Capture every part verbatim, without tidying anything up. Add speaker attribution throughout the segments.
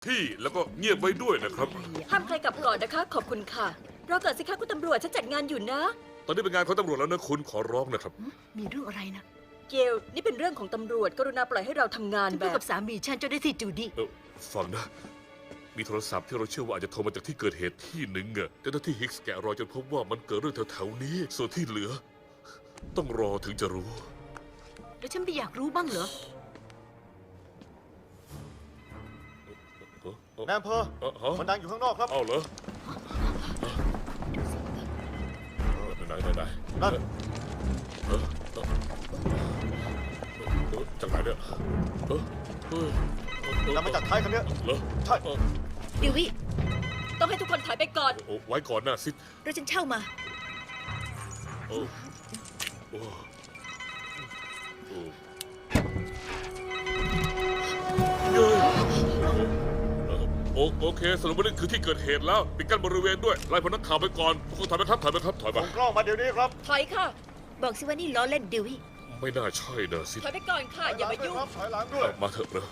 Speaker 1: ที่แล้วก็เงียบไว้ด้วยนะครับ
Speaker 2: ห้ามใครกลับก่อนนะคะ ขอบคุณค่ะรอก่อนสิคะคุณตำรวจฉันจัดงานอยู่นะ
Speaker 1: ตอนนี้เป็นงานของตำรวจแล้วนะคุณขอร้องนะครับ
Speaker 3: มีเรื่องอะไรนะ
Speaker 2: เกลนี่เป็นเรื่องของตำรวจกรุณาปล่อยให้เราทำงาน
Speaker 3: ฉัน
Speaker 2: แบ
Speaker 3: พูด
Speaker 2: บ
Speaker 3: กับสามีฉันจนได้ที่จูดี้
Speaker 1: เออฟังนะ มีโทรศัพท์ที่เราเชื่อว่าอาจจะโทรมาจากที่เกิดเหตุที่หนึ่งอะเจ้าหน้าที่ฮิกส์แกะรอยจนพบว่ามันเกิดเรื่องแถวๆนี้ ส่วนที่เหลือ ต้องรอถึงจะรู้
Speaker 3: แล้วฉันไม่อยากรู้บ้างเหรอ
Speaker 1: เออเออ
Speaker 4: แม่อำเภอ
Speaker 1: เออฮะ
Speaker 4: มันดังอยู่ข้างนอกครับ
Speaker 1: เอาเหรอไหนไหนไหน
Speaker 4: นั่น
Speaker 1: เออเออเออจากไหนเนี่ยเออเออเออ
Speaker 4: ดังมาจากท้ายคันเนี้ย
Speaker 1: เหรอ
Speaker 4: ใช่
Speaker 1: เออ
Speaker 3: ดิวิ
Speaker 2: ต้องให้ทุกคนถอยไปก่อน
Speaker 1: โอ้ไว้ก่อนนะซิด
Speaker 3: รถฉันเช่ามา
Speaker 1: โอ้โอ้โอ้เย้โอโอเคสรุปว่านี่คือที่เกิดเหตุแล้วปิดกั้นบริเวณด้วยไล่พนักข่าวไปก่อนพวกคุณถอยไปครับถอยไปครับถอยไป
Speaker 4: ส่งกล้องมาเดี๋ยวนี้ครับ
Speaker 2: ถอยค่ะ
Speaker 3: บอกสิว่านี่ล้อเล่นดิวิ
Speaker 1: ไม่น่าใช่นะซิด
Speaker 2: ถอยไปก่อนค่ะ อย่ามายุ่ง
Speaker 4: ครับถอยหลังด้วย
Speaker 1: เอามาเถอะนะ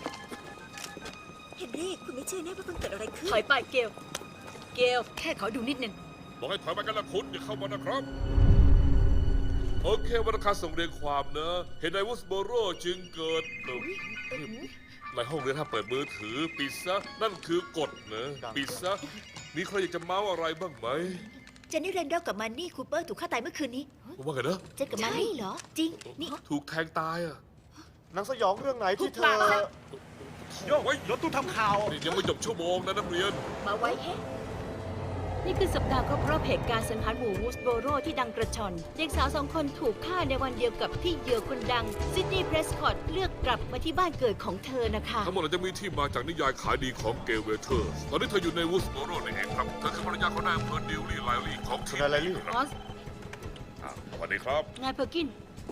Speaker 2: เฮนรี่คุณไม่เชื่อแน่ว่าเพิ่งเกิดอะไรขึ้นถอยไปเกลเกล
Speaker 3: แค่ขอดูนิดนึง
Speaker 1: บอกให้ถอยไปกันละคุณอย่าเข้ามานะครับ โอเควรรณคารส่งเรียงความนะเหตุใดวูสโบโรจึงเกิดเอ่อในห้องเรียนถ้าเปิดมือถือปิดซะนั่นคือกฎนะปิดซะมีใครอยากจะเมาอะไรบ้างไหม
Speaker 3: เจนนี่เรนดอลกับมันนี่คูเปอร์ถูกฆ่าตายเมื่อคืนนี้
Speaker 1: ว่าไงนะ
Speaker 3: เจนกับมันนี่เหรอ จริง นี่
Speaker 1: ถูกแทงตายอ่ะ
Speaker 4: หนังสยองเรื่องไหนที่เธอ
Speaker 1: โยกไว้รถตู้ทำข่าวยังไม่จบชั่วโมงนะนักเรียน
Speaker 2: มาไว้แฮะ
Speaker 5: นี่คือสัปดาห์ครบรอบเหตุการณ์สังหารหมู่วูสโบโรที่ดังกระชอนเด็กสาวสองคนถูกฆ่าในวันเดียวกับที่เหยื่อคนดังซิดนีย์เพรสคอตเลือกกลับมาที่บ้านเกิดของเธอนะคะ
Speaker 1: ทั้งหมดอาจจะมีที่มาจากนิยายขายดีของเกลเวเทอร์ตอนนี้เธออยู่ในวูสโบโรนี่เองครับเธอคือภรรยาของนายอำเภอดิวลี่ไลลี่ของทีม
Speaker 4: นายไลลี่
Speaker 1: ครับ
Speaker 5: ออส
Speaker 1: อ่ะสวัสดีครับ
Speaker 5: นายเพอร์กิน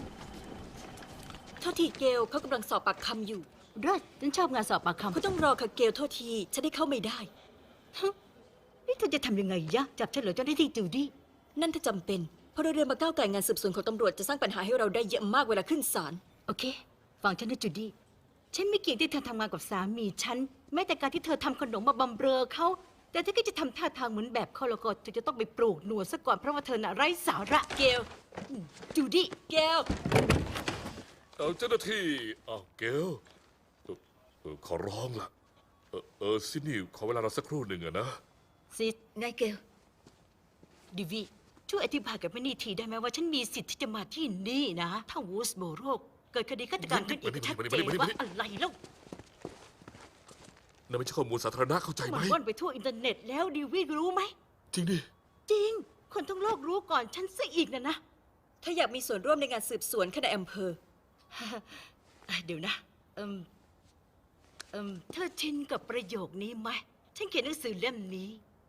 Speaker 2: โทษทีเกลเขากำลังสอบปากคำอยู่
Speaker 5: เลิศฉันชอบงานสอบปากคำ
Speaker 2: คุณต้องรอค่ะเกลโทษทีฉันได้เข้าไม่ได้
Speaker 5: นี่เธอจะทำยังไงยะ จับฉันเหรอเจ้าหน้าที่จูดี้
Speaker 2: นั่นถ้าจำเป็นเพราะเราเรียนมาก้าวไก่งานสืบสวนของตำรวจจะสร้างปัญหาให้เราได้เยอะมากเวลาขึ้นศาล
Speaker 5: โอเค ฟังฉันนะจูดี้ ฉันไม่เกี่ยงที่เธอทำงานกับสามีฉัน แม้แต่การที่เธอทำขนมมาบำเรอเขา แต่ถ้าก็จะทำท่าทางเหมือนแบบเขาแล้วก็เธอจะต้องไปปลูกหนวดซะก่อนเพราะว่าเธอน่ะไร้สาระ
Speaker 2: เกล
Speaker 5: จูดี้
Speaker 2: เกล
Speaker 1: เออเจ้าหน้าที่อ้าวเกลเอ่อเออขอร้องล่ะ เออเออซินี่ขอเวลาเราสักครู่หนึ่งอะนะ
Speaker 5: ซิด
Speaker 3: นายเกล
Speaker 5: ดิวีช่วยอธิบายกับแม่นี่ทีได้ไหมว่าฉันมีสิทธิ์ที่จะมาที่นี่นะ ถ้าวูสโบโรกเกิดคดีฆาตกรรมขึ้นอีกชัดเจนว่าอะไรแล้ว
Speaker 1: นั่นไม่ใช่ข้อมูลสาธารณะเข้าใจไหม
Speaker 5: มันว่อนไปทั่วอินเทอร์เน็ตแล้วดิวีรู้ไหม
Speaker 1: จริงดิ
Speaker 5: จริง คนทั้งโลกรู้ก่อนฉันซะอีกนะนะ
Speaker 2: ถ้าอยากมีส่วนร่วมในงานสืบสวนคณะอำเภอ
Speaker 5: อ่ะเดี๋ยวนะเอิมเอิมเธอชินกับประโยคนี้ไหมฉันเขียนหนังสือเล่มนี้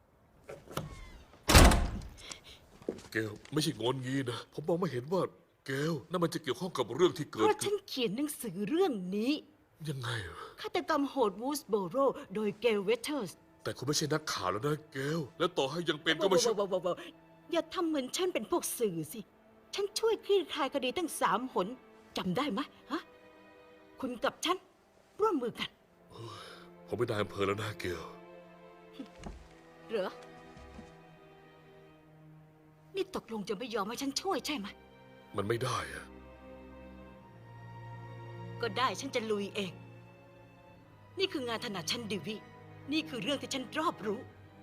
Speaker 1: เกลไม่ใช่งอนงี้นะ ผมมองไม่เห็นว่าเกลนั่นมันจะเกี่ยวข้องกับเรื่องที่
Speaker 5: เพ
Speaker 1: เกิด
Speaker 5: ราะฉั
Speaker 1: ขึ้
Speaker 5: น
Speaker 1: น
Speaker 5: เขียนหนังสือเรื่องนี้
Speaker 1: ยังไงอะ
Speaker 5: ฆาตกรรมโหดวูสโบโรโดยเกลเวเทอร์ส
Speaker 1: แต่คุณไม่ใช่นักข่าวแล้วนะเกลและต่อให้ยังเป็นก็ไม่ใช่
Speaker 5: ว้าวๆๆๆอย่าทำเหมือนฉันเป็นพวกสื่อสิ ฉันช่วยคลี่คลายคดีตั้งสามหนจำได้ไหมฮะ คุณกับฉัน ร่วมมือกัน
Speaker 1: ผมเป็นนายอำเภอแล้วนะเกล
Speaker 5: เหรอ นี่ตกลงจะไม่ยอมให้ฉันช่วยใช่ไหม
Speaker 1: มันไม่ได้อะ
Speaker 5: ก็ได้ฉันจะลุยเอง นี่คืองานถนัดฉันดิวิ นี่คือเรื่องที่ฉันรอบรู้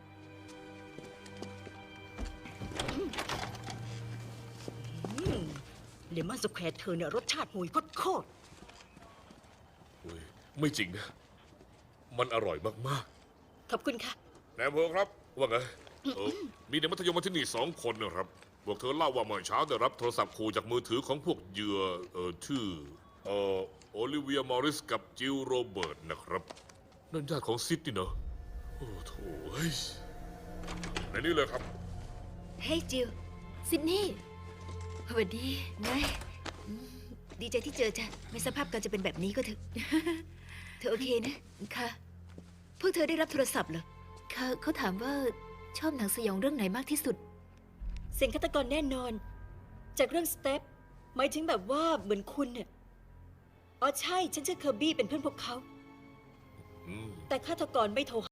Speaker 5: อืมเลมอนสแควร์เธอเนี่ยรสชาติห่วยโคตร
Speaker 1: เฮ้ยไม่จริงนะ มันอร่อยมาก
Speaker 2: ขอบคุณค่ะ
Speaker 1: ๆนายอำเภอครับ ว่าไงเออมีเด็กมัธยมมาที่นี่สองคนนะครับพวกเธอเล่าว่าเมื่อเช้าได้รับโทรศัพท์ขู่จากมือถือของพวกเหยื่อเออชื่อเออโอลิเวียมอริสกับจิลโรเบิร์ตนะครับ นั่นญาติของซิดนี่เนาะโอ้โถเฮ้ยในนี้เลยครับ
Speaker 3: เฮ้ยจิลซิดนีย์สวัสดีนายอืมดีใจที่เจอจ้ะไม่สภาพการจะเป็นแบบนี้ก็เถอะ เธอโอเคนะ ค่ะ พวกเธอได้รับโทรศัพท์เหรอค่ะเขาถามว่าชอบหนังสยองเรื่องไหนมากที่สุด
Speaker 2: เสียงฆาตกรแน่นอน จากเรื่องสเต็ปหมายถึงแบบว่าเหมือนคุณเนี่ยอ๋อใช่ ฉันชื่อเคอร์บี้เป็นเพื่อนพวกเขา
Speaker 1: อืม
Speaker 2: แต่ฆาตกรไม่โทร